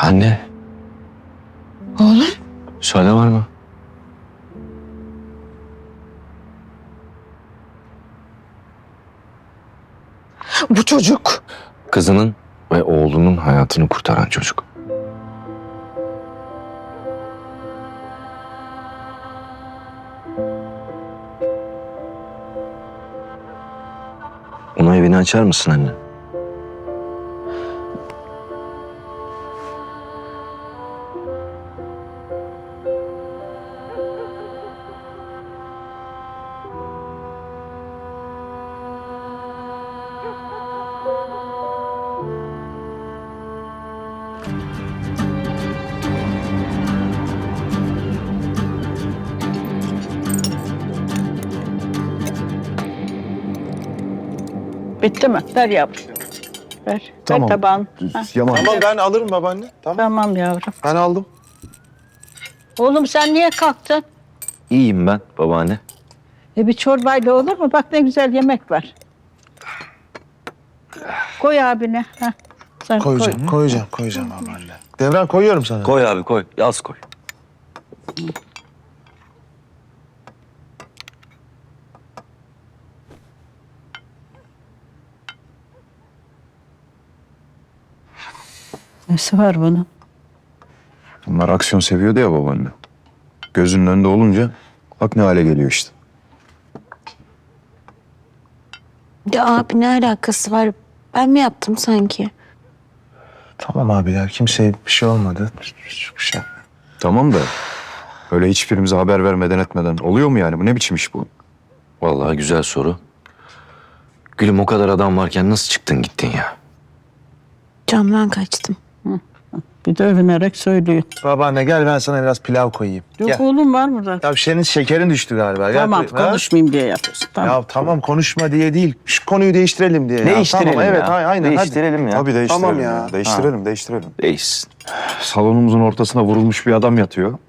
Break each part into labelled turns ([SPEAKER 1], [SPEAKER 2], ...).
[SPEAKER 1] Anne,
[SPEAKER 2] Oğlum,
[SPEAKER 1] müsaade var mı?
[SPEAKER 2] bu çocuk.
[SPEAKER 1] Kızının ve oğlunun hayatını kurtaran çocuk. Ona evini açar mısın anne?
[SPEAKER 3] Bitti mi? Ver yavrum. Ver.
[SPEAKER 4] Tamam.
[SPEAKER 3] Ver tabağını. Ha,
[SPEAKER 4] Yaman.
[SPEAKER 5] Tamam ben alırım babaanne. Tamam.
[SPEAKER 3] tamam yavrum.
[SPEAKER 5] Ben aldım.
[SPEAKER 3] Oğlum sen niye kalktın?
[SPEAKER 1] İyiyim ben babaanne.
[SPEAKER 3] Bir çorbayla olur mu? Bak ne güzel yemek var. Koy abine. Ha. Sen
[SPEAKER 5] Koyacağım,
[SPEAKER 3] koy.
[SPEAKER 5] koyacağım babaanne. Devran koyuyorum sana.
[SPEAKER 1] Koy abi koy. Yaz koy.
[SPEAKER 3] Nesi var bunun?
[SPEAKER 4] Bunlar aksiyon seviyordu ya babaanne. Gözünün önünde olunca bak ne hale geliyor işte.
[SPEAKER 2] Ya abi ne alakası var? Ben mi yaptım sanki?
[SPEAKER 5] Tamam abiler, kimseye bir şey olmadı. Çok şey.
[SPEAKER 4] Tamam da öyle hiçbirimize haber vermeden etmeden oluyor mu yani? Bu ne biçim iş bu?
[SPEAKER 1] Vallahi güzel soru. Gülüm o kadar adam varken nasıl çıktın gittin ya?
[SPEAKER 2] Camdan kaçtım.
[SPEAKER 3] Bir de övünerek söylüyor.
[SPEAKER 5] Babaanne gel ben sana biraz pilav koyayım.
[SPEAKER 3] Yok
[SPEAKER 5] Gel.
[SPEAKER 3] oğlum var mı zaten?
[SPEAKER 5] Ya senin şekerin düştü galiba. Gel
[SPEAKER 3] Tamam
[SPEAKER 5] koy- Ha?
[SPEAKER 3] konuşmayayım diye yapıyorsun. Tamam.
[SPEAKER 5] Ya tamam konuşma diye değil. Şu konuyu değiştirelim diye.
[SPEAKER 1] Değiştirelim
[SPEAKER 5] Tamam, evet
[SPEAKER 1] ya.
[SPEAKER 5] aynen.
[SPEAKER 1] Değiştirelim ya.
[SPEAKER 4] Tabii değiştirelim.
[SPEAKER 5] Tamam ya.
[SPEAKER 4] Değiştirelim.
[SPEAKER 1] Değişsin.
[SPEAKER 4] Salonumuzun ortasına vurulmuş bir adam yatıyor.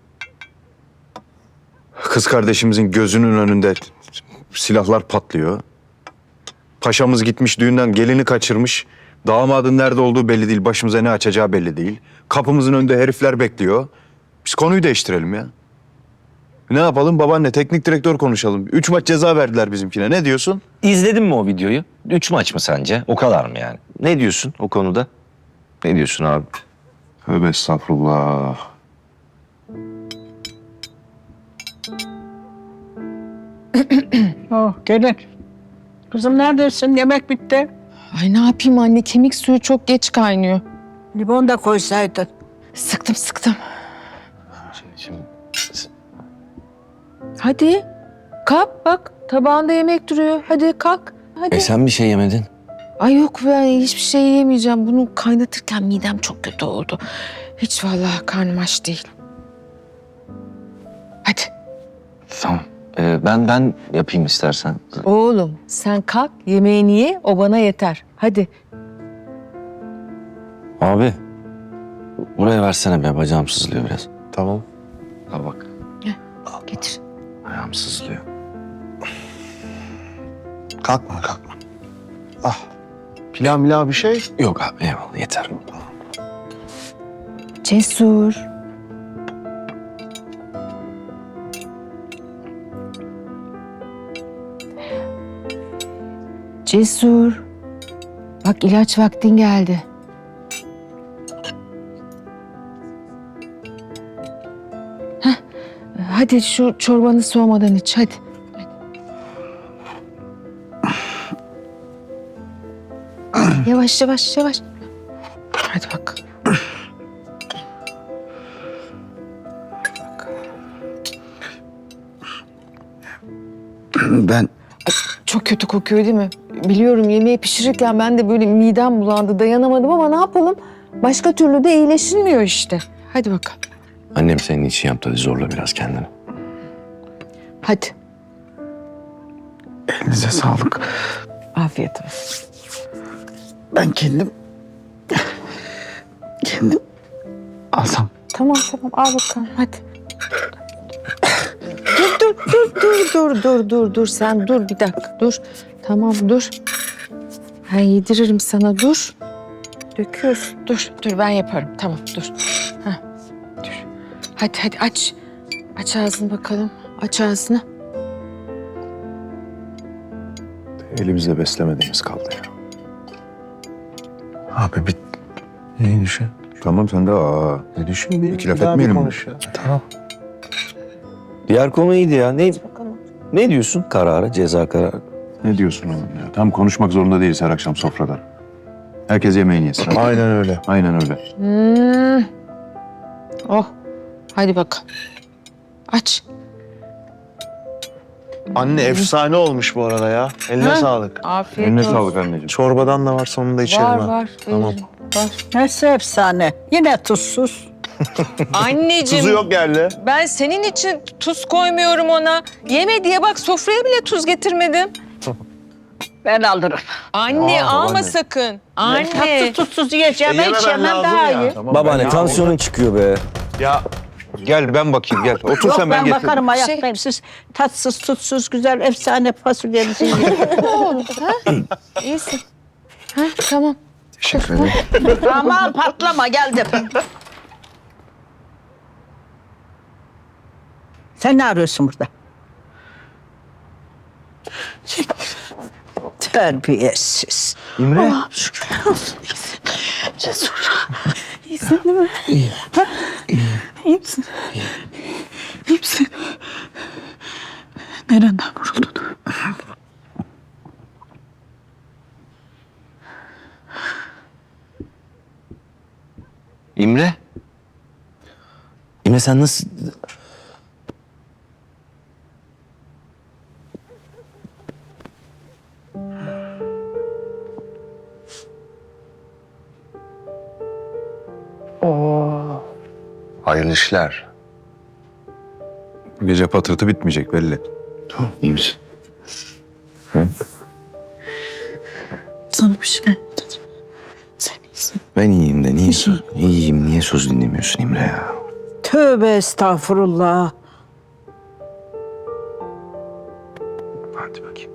[SPEAKER 4] Kız kardeşimizin gözünün önünde silahlar patlıyor. Paşamız gitmiş düğünden gelini kaçırmış. Damadın nerede olduğu belli değil. Başımıza ne açacağı belli değil. Kapımızın önünde herifler bekliyor. Biz konuyu değiştirelim ya. Ne yapalım babaanne? Teknik direktör konuşalım. 3 maç ceza verdiler bizimkine. Ne diyorsun?
[SPEAKER 1] İzledin mi o videoyu? 3 maç mı sence? O kadar mı yani? Ne diyorsun o konuda? Ne diyorsun abi?
[SPEAKER 4] Tövbe estağfurullah.
[SPEAKER 3] Oh gelin. Kızım neredesin? Yemek bitti.
[SPEAKER 6] Ay ne yapayım anne, kemik suyu çok geç kaynıyor.
[SPEAKER 3] Limon da koysaydın.
[SPEAKER 6] Sıktım.
[SPEAKER 1] Şimdi
[SPEAKER 6] Hadi kalk bak, tabağında yemek duruyor. Hadi kalk, hadi.
[SPEAKER 1] sen bir şey yemedin.
[SPEAKER 6] Ay yok, ben hiçbir şey yemeyeceğim. Bunu kaynatırken midem çok kötü oldu. Hiç vallahi karnım aç değil. Hadi.
[SPEAKER 1] Tamam. Ben yapayım istersen.
[SPEAKER 6] Oğlum sen kalk, yemeğini ye, o bana yeter. Hadi.
[SPEAKER 1] Abi. Buraya versene be, bacağım sızlıyor biraz.
[SPEAKER 5] Tamam.
[SPEAKER 1] Al bak.
[SPEAKER 6] Getir.
[SPEAKER 1] Ayağım sızlıyor.
[SPEAKER 5] Kalkma. Ah. Pilav bir şey.
[SPEAKER 1] Yok abi eyvallah yeter.
[SPEAKER 6] Cesur. Cesur. Bak ilaç vaktin geldi. Heh, hadi şu çorbanı soğumadan iç hadi. Yavaş. Hadi bak.
[SPEAKER 5] Ben
[SPEAKER 6] Çok kötü kokuyor değil mi? Biliyorum, yemeği pişirirken ben de böyle midem bulandı, dayanamadım ama ne yapalım? Başka türlü de iyileşilmiyor işte. Hadi bakalım.
[SPEAKER 1] Annem senin için yaptı, hadi zorla biraz kendini.
[SPEAKER 6] Hadi.
[SPEAKER 5] elinize sağlık.
[SPEAKER 6] Afiyet olsun.
[SPEAKER 5] Ben kendim alsam.
[SPEAKER 6] Tamam al bakalım hadi. Dur sen dur bir dakika dur. Tamam dur. Ben yediririm sana dur. Döküyorsun. Dur ben yaparım. Tamam dur. Heh, dur. Hadi aç. Aç ağzını bakalım. Aç ağzını.
[SPEAKER 4] Elimizde beslemediğimiz kaldı ya.
[SPEAKER 5] Abi bir iyi düşün.
[SPEAKER 4] Tamam sen de
[SPEAKER 5] Ne düşün bir.
[SPEAKER 4] İki laf
[SPEAKER 5] bir daha bir
[SPEAKER 4] etmeyelim mi?
[SPEAKER 5] konuş ya. Tamam.
[SPEAKER 1] Diğer konu iyiydi ya. Ne diyorsun karara, ceza kararı?
[SPEAKER 4] Ne diyorsun oğlum ya? Tam konuşmak zorunda değiliz her akşam sofrada. Herkes yemeğini yesin. hadi.
[SPEAKER 5] Aynen öyle.
[SPEAKER 4] Aynen öyle.
[SPEAKER 6] Oh. Hadi bakalım. Aç.
[SPEAKER 5] Anne efsane olmuş bu arada ya. Eline
[SPEAKER 6] Ha?
[SPEAKER 5] sağlık.
[SPEAKER 6] Afiyet
[SPEAKER 4] Eline
[SPEAKER 6] olsun.
[SPEAKER 4] sağlık anneciğim.
[SPEAKER 5] Çorbadan da var sonunda içerim
[SPEAKER 6] Var
[SPEAKER 5] ha.
[SPEAKER 6] var.
[SPEAKER 5] Tamam.
[SPEAKER 6] veririm, Var.
[SPEAKER 3] Nasıl efsane? Yine tuzsuz.
[SPEAKER 6] Anneciğim.
[SPEAKER 5] Tuzu yok geldi.
[SPEAKER 6] Ben senin için tuz koymuyorum ona. Yeme diye bak sofraya bile tuz getirmedim.
[SPEAKER 3] Ben alırım.
[SPEAKER 6] Anne
[SPEAKER 5] Aa,
[SPEAKER 6] alma
[SPEAKER 5] babaanne.
[SPEAKER 6] sakın. Anne.
[SPEAKER 3] Tatsız tuzsuz yiyeceğim.
[SPEAKER 5] Yememen
[SPEAKER 3] içemem
[SPEAKER 5] lazım
[SPEAKER 3] daha
[SPEAKER 5] ya.
[SPEAKER 3] iyi.
[SPEAKER 5] Tamam,
[SPEAKER 1] Babaanne
[SPEAKER 5] ben-
[SPEAKER 1] tansiyonun çıkıyor be.
[SPEAKER 5] Ya
[SPEAKER 4] Gel ben bakayım gel. Otur
[SPEAKER 3] Yok
[SPEAKER 4] sen
[SPEAKER 3] ben
[SPEAKER 4] getiririm.
[SPEAKER 3] bakarım ayaktayım. Siz tatsız tutsuz güzel efsane fasulyenizi yiyin.
[SPEAKER 6] İyisin. Ha, tamam.
[SPEAKER 5] teşekkür ederim.
[SPEAKER 3] Aman patlama geldim. Sen ne arıyorsun burada? Terbiyesiz.
[SPEAKER 5] İmre.
[SPEAKER 3] Allah'ım şükürler olsun. İyisin. Cesur. İyisin değil mi? İyi. Ha? İyi misin? İyi misin? Nereden vuruldun?
[SPEAKER 1] İmre. İmre sen nasıl...
[SPEAKER 5] Hayırlı işler.
[SPEAKER 4] Bu gece patırtı bitmeyecek belli.
[SPEAKER 1] İyi misin?
[SPEAKER 3] Sana bir şey oldu. Sen iyisin.
[SPEAKER 1] Ben iyiyim de niye söz... İyiyim, niye söz dinlemiyorsun İmre ya?
[SPEAKER 3] Tövbe estağfurullah.
[SPEAKER 1] Hadi bakayım.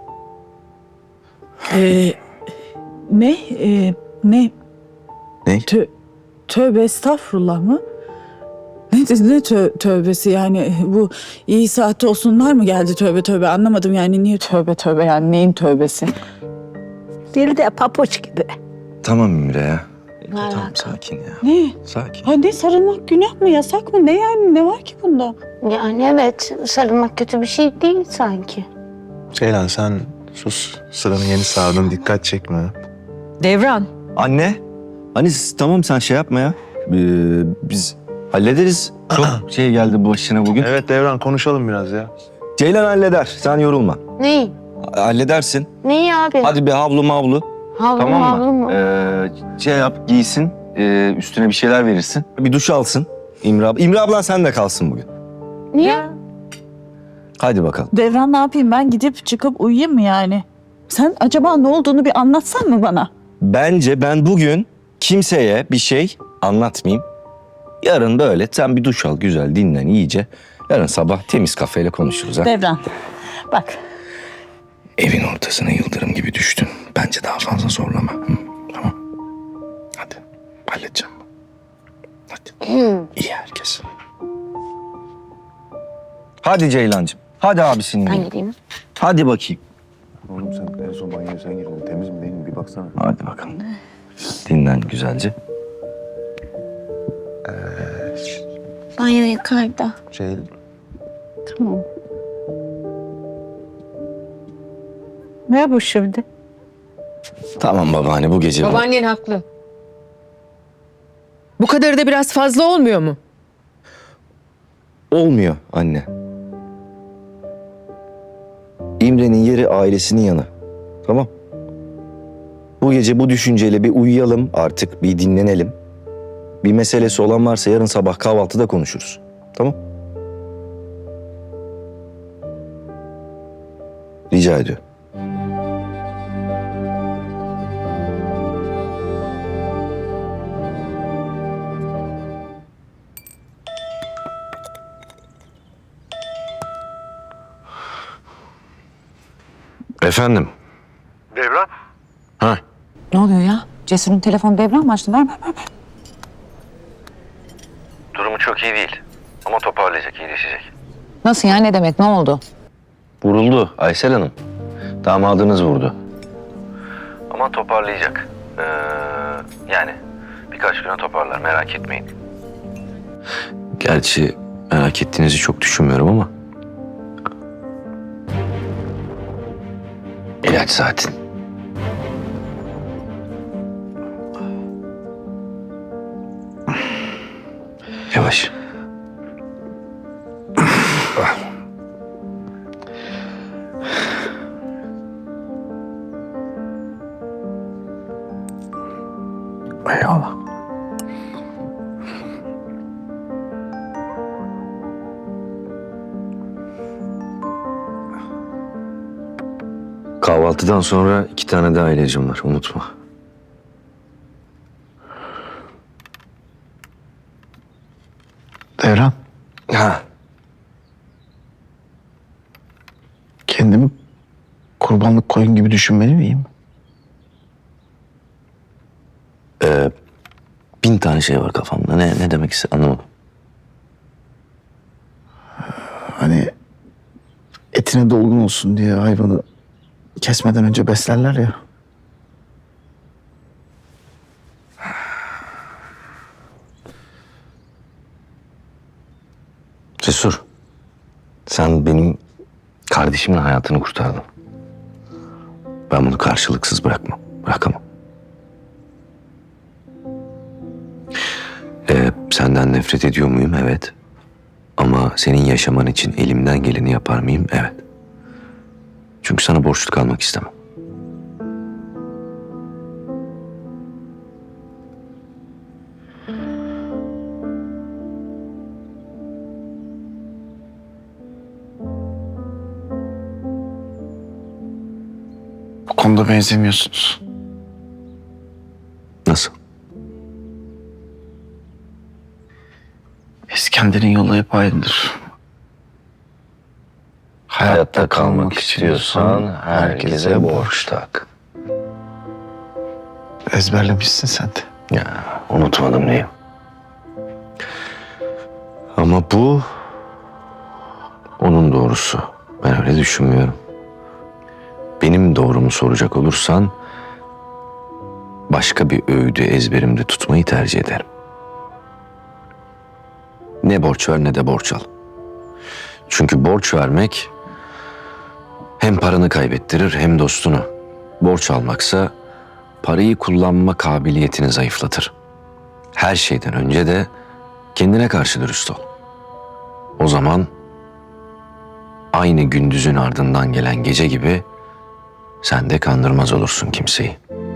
[SPEAKER 7] Ne? Ne?
[SPEAKER 1] Ne?
[SPEAKER 7] Tövbe estağfurullah mı? Ne tövbesi yani bu iyi saatte olsunlar mı geldi tövbe anlamadım yani niye tövbe yani neyin tövbesi?
[SPEAKER 3] Dil de papuç gibi.
[SPEAKER 1] Tamam İmre ya.
[SPEAKER 2] Ne
[SPEAKER 1] Tamam
[SPEAKER 2] alaka?
[SPEAKER 1] sakin ya.
[SPEAKER 7] Ne?
[SPEAKER 1] Sakin.
[SPEAKER 7] Hadi sarılmak günah mı yasak mı ne yani ne var ki bunda?
[SPEAKER 2] Yani evet sarılmak kötü bir şey değil sanki.
[SPEAKER 5] Ceylan sen sus. Sıranı yeni sağdın. Dikkat çekme.
[SPEAKER 6] Devran.
[SPEAKER 1] Anne. Hani tamam sen şey yapma ya. Biz hallederiz. Çok şey geldi başına bugün.
[SPEAKER 5] Evet Devran konuşalım biraz ya.
[SPEAKER 1] Ceylan halleder. Sen yorulma.
[SPEAKER 2] Neyi?
[SPEAKER 1] Halledersin.
[SPEAKER 2] Neyi abi?
[SPEAKER 1] Hadi bir havlu mavlu.
[SPEAKER 2] Havlu
[SPEAKER 1] Tamam
[SPEAKER 2] havlu
[SPEAKER 1] mı?
[SPEAKER 2] mu?
[SPEAKER 1] Şey yap giysin. Üstüne bir şeyler verirsin. Bir duş alsın. İmre abla. İmre ablan sen de kalsın bugün.
[SPEAKER 2] Niye?
[SPEAKER 1] Hadi bakalım.
[SPEAKER 7] Devran ne yapayım ben gidip çıkıp uyuyayım mı yani? Sen acaba ne olduğunu bir anlatsan mı bana?
[SPEAKER 1] Bence ben bugün kimseye bir şey anlatmayayım. Yarın böyle sen bir duş al güzel dinlen iyice. Yarın sabah temiz kafeyle konuşuruz ha.
[SPEAKER 7] Devran bak
[SPEAKER 1] Evin ortasına yıldırım gibi düştün. Bence daha fazla zorlama. Hı, tamam. Hadi halledeceğim. Hadi. İyi herkes. Hadi Ceylancığım. Hadi abisinin.
[SPEAKER 2] Ben
[SPEAKER 1] yanına.
[SPEAKER 2] gideyim.
[SPEAKER 1] Hadi bakayım.
[SPEAKER 4] Oğlum sen en son banyoya sen girdin. Temiz mi değil mi bir baksana.
[SPEAKER 1] Hadi bakalım. Dinlen güzelce.
[SPEAKER 2] Banyo yukarıda.
[SPEAKER 5] Ceylan.
[SPEAKER 2] Tamam.
[SPEAKER 3] Ne bu şimdi?
[SPEAKER 1] Tamam babaanne bu gece.
[SPEAKER 6] Babaannen haklı. Bu kadarı da biraz fazla olmuyor mu?
[SPEAKER 1] Olmuyor anne. İmre'nin yeri ailesinin yanı. Tamam. Bu gece bu düşünceyle bir uyuyalım artık, bir dinlenelim. Bir meselesi olan varsa yarın sabah kahvaltıda konuşuruz. Tamam? Rica ediyorum. Efendim?
[SPEAKER 5] Devran.
[SPEAKER 1] Ha?
[SPEAKER 7] ne oluyor ya?
[SPEAKER 8] Cesur'un telefonu devran mı açtın? Ver.
[SPEAKER 1] Durumu çok iyi değil. Ama toparlayacak, iyileşecek.
[SPEAKER 8] Nasıl ya, ne demek, ne oldu?
[SPEAKER 1] Vuruldu Aysel Hanım. Damadınız vurdu. Ama toparlayacak. Yani birkaç güne toparlar, merak etmeyin. Gerçi merak ettiğinizi çok düşünmüyorum ama... İlaç saatin. Yavaş.
[SPEAKER 5] Eyvallah.
[SPEAKER 1] Kahvaltıdan sonra 2 tane daha ilacım var, unutma.
[SPEAKER 5] Devran,
[SPEAKER 1] Ha.
[SPEAKER 5] kendimi kurbanlık koyun gibi düşünmeli miyim?
[SPEAKER 1] 1000 tane şey var kafamda. Ne demek istedim anlamadım.
[SPEAKER 5] Hani etine dolgun olsun diye hayvanı kesmeden önce beslerler ya.
[SPEAKER 1] Cesur, sen benim kardeşimin hayatını kurtardın. Ben bunu karşılıksız bırakamam. Senden nefret ediyor muyum? Evet. Ama senin yaşaman için elimden geleni yapar mıyım? Evet. Çünkü sana borçlu kalmak istemem.
[SPEAKER 5] Bu konuda benzemiyorsunuz.
[SPEAKER 1] Nasıl?
[SPEAKER 5] İskender'in yolu hep aynıdır.
[SPEAKER 1] Hayatta kalmak istiyorsan herkese borç tak.
[SPEAKER 5] Ezberlemişsin sen de.
[SPEAKER 1] Ya unutmadım neyim. Ama bu onun doğrusu. Ben öyle düşünmüyorum. Benim doğrumu soracak olursan başka bir öğüdü ezberimde tutmayı tercih ederim. Ne borç ver ne de borç al. Çünkü borç vermek hem paranı kaybettirir hem dostunu. Borç almaksa parayı kullanma kabiliyetini zayıflatır. Her şeyden önce de kendine karşı dürüst ol. O zaman aynı gündüzün ardından gelen gece gibi sen de kandırmaz olursun kimseyi.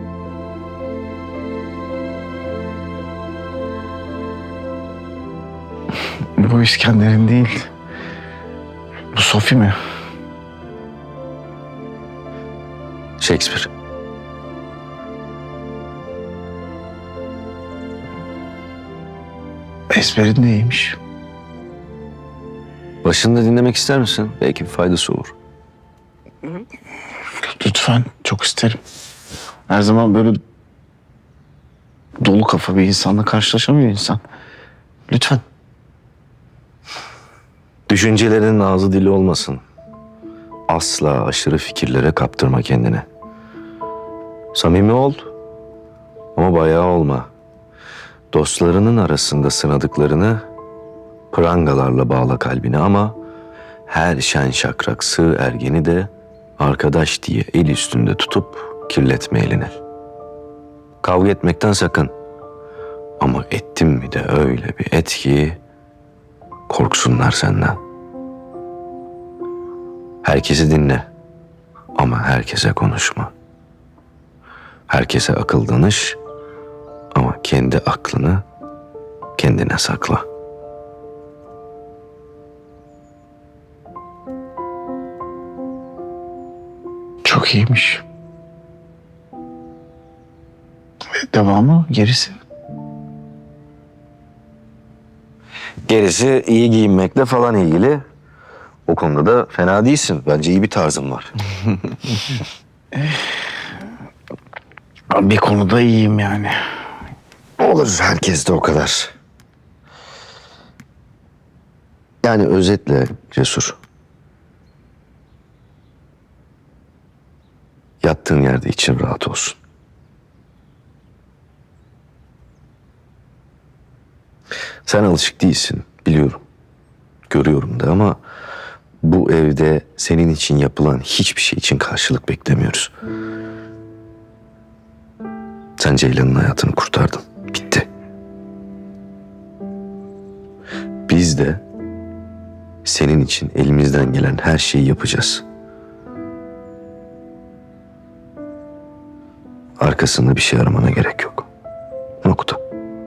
[SPEAKER 5] Bu İskender'in değil. Bu Sophie mi?
[SPEAKER 1] Shakespeare.
[SPEAKER 5] Ezberin de iyiymiş.
[SPEAKER 1] Başında dinlemek ister misin? Belki bir faydası olur.
[SPEAKER 5] Lütfen, çok isterim. Her zaman böyle dolu kafa bir insanla karşılaşamıyor insan. Lütfen.
[SPEAKER 1] Düşüncelerinin ağzı dili olmasın. Asla aşırı fikirlere kaptırma kendini. Samimi ol ama bayağı olma. Dostlarının arasında sınadıklarını prangalarla bağla kalbine ama her şen şakrak sığ ergeni de arkadaş diye el üstünde tutup kirletme elini. Kavga etmekten sakın. Ama ettin mi de öyle bir et ki korksunlar senden. Herkesi dinle ama herkese konuşma. Herkese akıl danış ama kendi aklını kendine sakla.
[SPEAKER 5] Çok iyiymiş. Devamı, gerisi.
[SPEAKER 1] Gerisi iyi giyinmekle falan ilgili. O konuda da fena değilsin. Bence iyi bir tarzın var.
[SPEAKER 5] Bir konuda iyiyim yani.
[SPEAKER 1] Olur, herkes de o kadar. Yani özetle Cesur. Yattığın yerde için rahat olsun. Sen alışık değilsin, biliyorum. Görüyorum da ama bu evde senin için yapılan hiçbir şey için karşılık beklemiyoruz. Sen Ceylan'ın hayatını kurtardın. Bitti. Biz de senin için elimizden gelen her şeyi yapacağız. Arkasında bir şey aramana gerek yok. Nokta.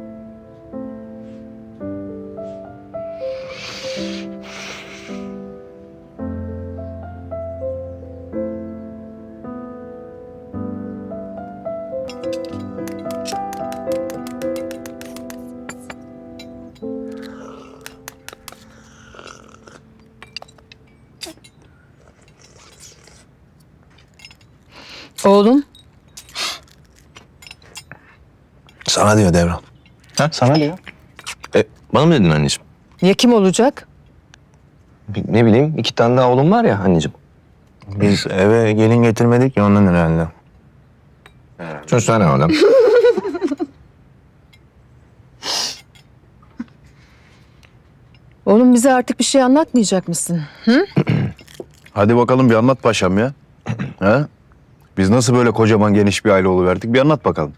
[SPEAKER 6] Oğlum,
[SPEAKER 5] Sana diyor Devran. Ha? Sana diyor.
[SPEAKER 1] Bana mı dedin anneciğim?
[SPEAKER 6] ya kim olacak?
[SPEAKER 1] Ne bileyim, 2 tane daha oğlum var ya anneciğim.
[SPEAKER 5] Biz eve gelin getirmedik ya ondan herhalde.
[SPEAKER 1] Söylesene oğlum.
[SPEAKER 6] Oğlum bize artık bir şey anlatmayacak mısın?
[SPEAKER 4] Hadi bakalım bir anlat paşam ya. Ha? Biz nasıl böyle kocaman geniş bir aile oluverdik? Bir anlat bakalım.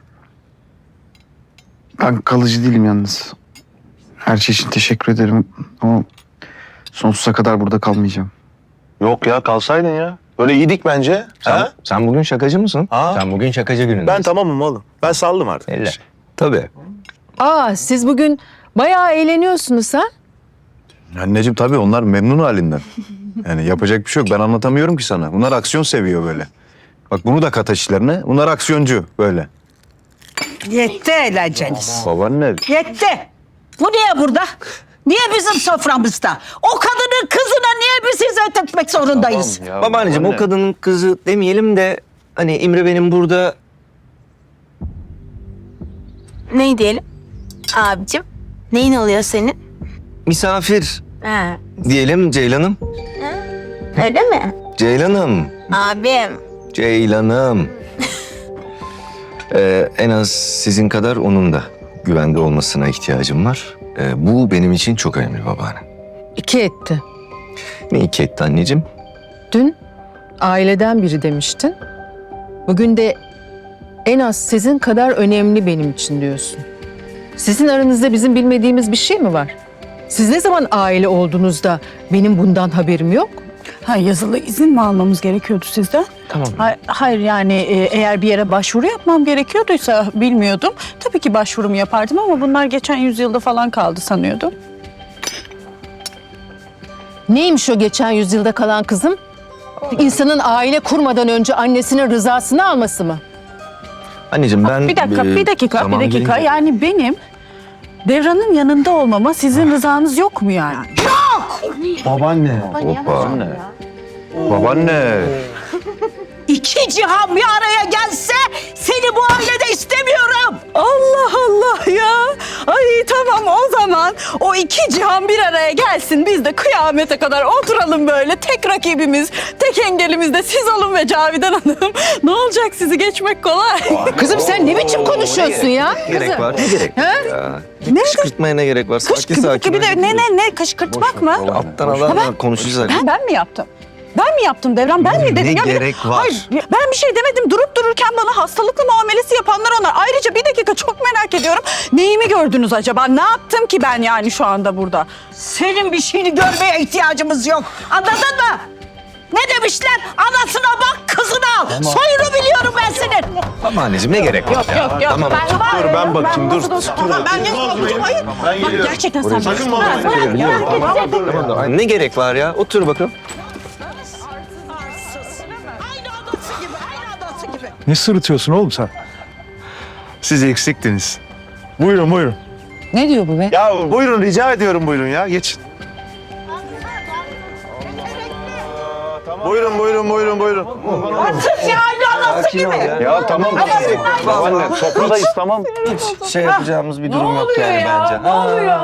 [SPEAKER 5] Ben kalıcı değilim yalnız. Her şey için teşekkür ederim ama sonsuza kadar burada kalmayacağım.
[SPEAKER 9] Yok ya kalsaydın ya. Böyle iyiydik bence. Ha?
[SPEAKER 1] Sen bugün şakacı mısın?
[SPEAKER 9] Ha?
[SPEAKER 1] Sen bugün şakacı günündesin.
[SPEAKER 9] Ben tamamım oğlum. Ben saldım artık.
[SPEAKER 1] Elle. Tabii.
[SPEAKER 6] Aa, siz bugün bayağı eğleniyorsunuz ha?
[SPEAKER 4] Anneciğim tabii onlar memnun halinden. Yani yapacak bir şey yok. Ben anlatamıyorum ki sana. Bunlar aksiyon seviyor böyle. Bak bunu da kat işlerine. Bunlar aksiyoncu böyle.
[SPEAKER 3] Yetti eğlenceniz.
[SPEAKER 4] Babaanne.
[SPEAKER 3] Yetti. Bu niye burada? Niye bizim soframızda? O kadının kızına niye biz hizmet etmek zorundayız?
[SPEAKER 4] Ya,
[SPEAKER 1] Babaanneciğim o kadının kızı demeyelim de hani İmre benim burada
[SPEAKER 2] Ne diyelim? Abicim, neyin oluyor senin?
[SPEAKER 1] misafir
[SPEAKER 2] Ha,
[SPEAKER 1] diyelim Ceylan'ım.
[SPEAKER 2] öyle mi?
[SPEAKER 1] Ceylan'ım.
[SPEAKER 2] Abim.
[SPEAKER 1] Ceylan'ım. En az sizin kadar onun da güvende olmasına ihtiyacım var. Bu benim için çok önemli babaanne.
[SPEAKER 6] 2 etti.
[SPEAKER 1] Ne iki etti anneciğim?
[SPEAKER 6] Dün aileden biri demiştin. Bugün de en az sizin kadar önemli benim için diyorsun. Sizin aranızda bizim bilmediğimiz bir şey mi var? Siz ne zaman aile olduğunuzda benim bundan haberim yok?
[SPEAKER 7] Ha, yazılı izin mi almamız gerekiyordu sizden?
[SPEAKER 1] Tamam.
[SPEAKER 7] Hayır yani eğer bir yere başvuru yapmam gerekiyorduysa bilmiyordum. Tabii ki başvurumu yapardım ama bunlar geçen yüzyılda falan kaldı sanıyordum.
[SPEAKER 6] Neymiş o geçen yüzyılda kalan kızım? İnsanın aile kurmadan önce annesinin rızasını alması mı?
[SPEAKER 1] Anneciğim ben...
[SPEAKER 7] Bir dakika,
[SPEAKER 1] e,
[SPEAKER 7] bir dakika.
[SPEAKER 1] zamanı gelince-
[SPEAKER 7] Yani benim Devran'ın yanında olmama sizin rızanız yok mu yani?
[SPEAKER 5] Babaanne.
[SPEAKER 1] Hoppa.
[SPEAKER 4] Babaanne.
[SPEAKER 3] İki cihan bir araya gelse seni bu ailede istemiyorum.
[SPEAKER 7] Allah Allah ya. Ay tamam o zaman o 2 cihan bir araya gelsin. Biz de kıyamete kadar oturalım böyle. Tek rakibimiz, tek engelimiz de siz olun ve Cavidan Hanım. Ne olacak, sizi geçmek kolay.
[SPEAKER 6] Kızım sen ne biçim konuşuyorsun ya?
[SPEAKER 1] Gerek var. Ne gerek var ya?
[SPEAKER 7] Ne?
[SPEAKER 1] Kışkırtmaya ne gerek var? Sakin sakin.
[SPEAKER 7] Bir de ne kışkırtmak mı?
[SPEAKER 1] Alttan alan konuşacağız.
[SPEAKER 7] Ben mi yaptım? Ben mi yaptım Devran? Ben mi dedim?
[SPEAKER 1] Ne
[SPEAKER 7] Ya bir de-
[SPEAKER 1] gerek var?
[SPEAKER 7] Hayır, ben bir şey demedim. Durup dururken bana hastalıklı muamelesi yapanlar onlar. Ayrıca bir dakika, çok merak ediyorum. Neyimi gördünüz acaba? Ne yaptım ki ben yani şu anda burada?
[SPEAKER 3] Senin bir şeyini görmeye ihtiyacımız yok. Anladın mı? Ne demişler? Anasına bak, kızına al. Soyunu biliyorum ben senin.
[SPEAKER 1] Babaanneciğim ne gerek var?
[SPEAKER 7] Yok.
[SPEAKER 1] Tamam.
[SPEAKER 9] Dur ben bakayım dur.
[SPEAKER 7] Ben yapmadım. Hayır. Bak, gerçekten sen
[SPEAKER 9] Sakın
[SPEAKER 7] bana.
[SPEAKER 9] bana.
[SPEAKER 1] Ne gerek var ya? Otur bakalım.
[SPEAKER 3] Aynı anası gibi, aynı anası gibi.
[SPEAKER 4] Ne sırıtıyorsun oğlum sen? Siz eksiktiniz. Buyurun buyurun.
[SPEAKER 8] Ne diyor bu be?
[SPEAKER 9] Ya buyurun rica ediyorum buyurun ya geçin. Buyurun.
[SPEAKER 3] Siz ya aynı Rüyası gibi.
[SPEAKER 4] Ya tamam. Babaanne sofradayız tamam.
[SPEAKER 1] Hiç şey yapacağımız bir durum yok yani bence.
[SPEAKER 3] Ne oluyor?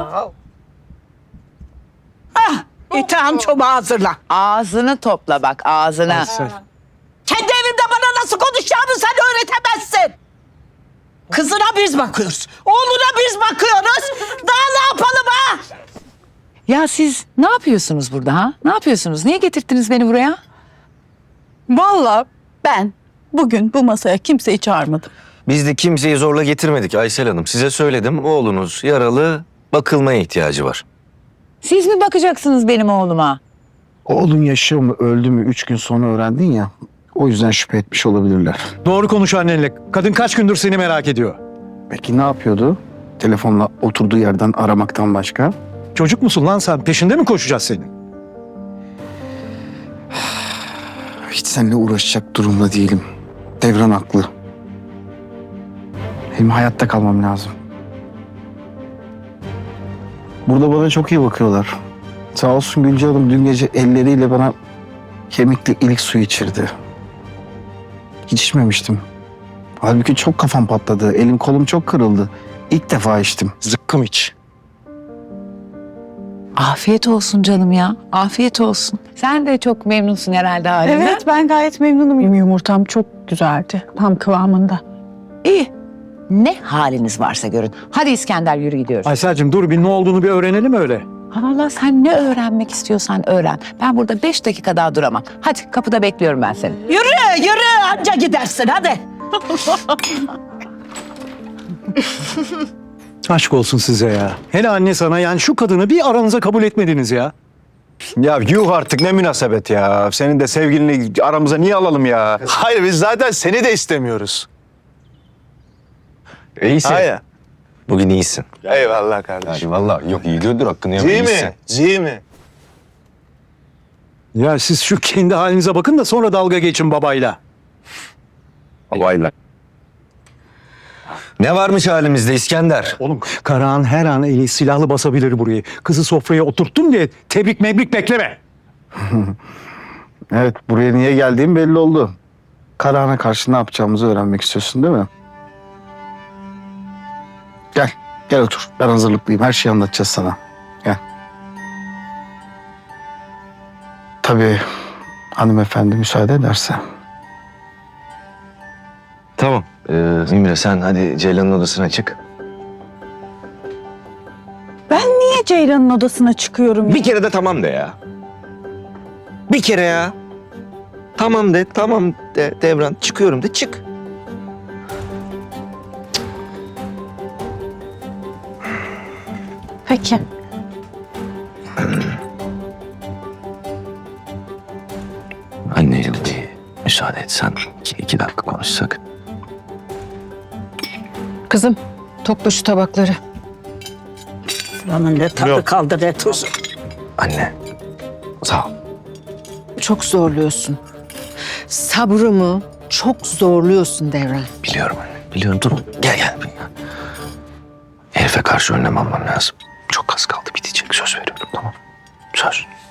[SPEAKER 3] İtham çoba hazırla.
[SPEAKER 7] Ağzını topla bak ağzını.
[SPEAKER 3] Kendi evimde bana nasıl konuşacağımı sen öğretemezsin. Kızına biz bakıyoruz. Oğluna biz bakıyoruz. Daha ne yapalım ha?
[SPEAKER 8] Ya siz ne yapıyorsunuz burada ha? Ne yapıyorsunuz? Niye getirttiniz beni buraya?
[SPEAKER 7] Vallahi ben bugün bu masaya kimseyi çağırmadım.
[SPEAKER 1] Biz de kimseyi zorla getirmedik Aysel Hanım. Size söyledim, oğlunuz yaralı, bakılmaya ihtiyacı var.
[SPEAKER 8] Siz mi bakacaksınız benim oğluma?
[SPEAKER 5] Oğlun yaşıyor mu öldü mü 3 gün sonra öğrendin ya. O yüzden şüphe etmiş olabilirler.
[SPEAKER 10] Doğru konuş annenle. Kadın kaç gündür seni merak ediyor.
[SPEAKER 5] Peki ne yapıyordu? Telefonla oturduğu yerden aramaktan başka?
[SPEAKER 10] Çocuk musun lan sen? Peşinde mi koşacağız senin?
[SPEAKER 5] Hiç seninle uğraşacak durumda değilim. Devran haklı. Benim hayatta kalmam lazım. Burada bana çok iyi bakıyorlar. Sağ olsun Gülce Hanım dün gece elleriyle bana kemikli ilik suyu içirdi. Hiç içmemiştim. Halbuki çok kafam patladı. Elim kolum çok kırıldı. İlk defa içtim. Zıkkım iç.
[SPEAKER 8] Afiyet olsun canım ya. Afiyet olsun. Sen de çok memnunsun herhalde halinden.
[SPEAKER 7] Evet ben gayet memnunum. Yumurtam çok güzeldi. Tam kıvamında.
[SPEAKER 8] İyi. Ne haliniz varsa görün. Hadi İskender yürü gidiyoruz.
[SPEAKER 10] Aysel'cim dur bir ne olduğunu bir öğrenelim öyle.
[SPEAKER 8] Allah sen ne öğrenmek istiyorsan öğren. Ben burada 5 dakika daha duramam. Hadi kapıda bekliyorum ben seni.
[SPEAKER 3] Yürü anca gidersin hadi.
[SPEAKER 10] Aşk olsun size ya. Hele anne sana yani şu kadını bir aranıza kabul etmediniz ya.
[SPEAKER 4] Ya yuh artık ne münasebet ya. Senin de sevgilini aramıza niye alalım ya?
[SPEAKER 9] Hayır biz zaten seni de istemiyoruz.
[SPEAKER 1] İyisin.
[SPEAKER 9] Hayır.
[SPEAKER 1] Bugün iyisin.
[SPEAKER 9] Eyvallah kardeşim.
[SPEAKER 1] Yani vallahi yok iyi gördür hakkını yeme
[SPEAKER 9] Değil
[SPEAKER 1] iyisin.
[SPEAKER 9] mi? Değil mi?
[SPEAKER 10] Ya siz şu kendi halinize bakın da sonra dalga geçin babayla.
[SPEAKER 1] Babayla. Ne varmış halimizde İskender?
[SPEAKER 10] Oğlum Karahan her an eli silahlı basabilir burayı. Kızı sofraya oturttum diye tebrik mebrik bekleme.
[SPEAKER 5] Evet, buraya niye geldiğim belli oldu. Karahan'a karşı ne yapacağımızı öğrenmek istiyorsun değil mi? Gel otur. Ben hazırlıklıyım. Her şeyi anlatacağız sana. Gel. Tabii hanımefendi müsaade ederse.
[SPEAKER 1] Tamam. İmre sen hadi Ceylan'ın odasına çık.
[SPEAKER 7] Ben niye Ceylan'ın odasına çıkıyorum?
[SPEAKER 1] Bir kere de tamam de ya. Bir kere ya. Tamam de Devran çıkıyorum de çık.
[SPEAKER 7] Peki.
[SPEAKER 1] Anneyle bir müsaade etsen iki dakika konuşsak.
[SPEAKER 6] Kızım topla şu tabakları.
[SPEAKER 3] Lan ne tadı kaldı ne tuzu.
[SPEAKER 1] Anne sağ ol.
[SPEAKER 6] Çok zorluyorsun. Sabrımı çok zorluyorsun Devran.
[SPEAKER 1] Biliyorum anne biliyorum dur gel. Herife karşı önlem almam lazım. Çok az kaldı bitecek söz veriyorum tamam. Söz.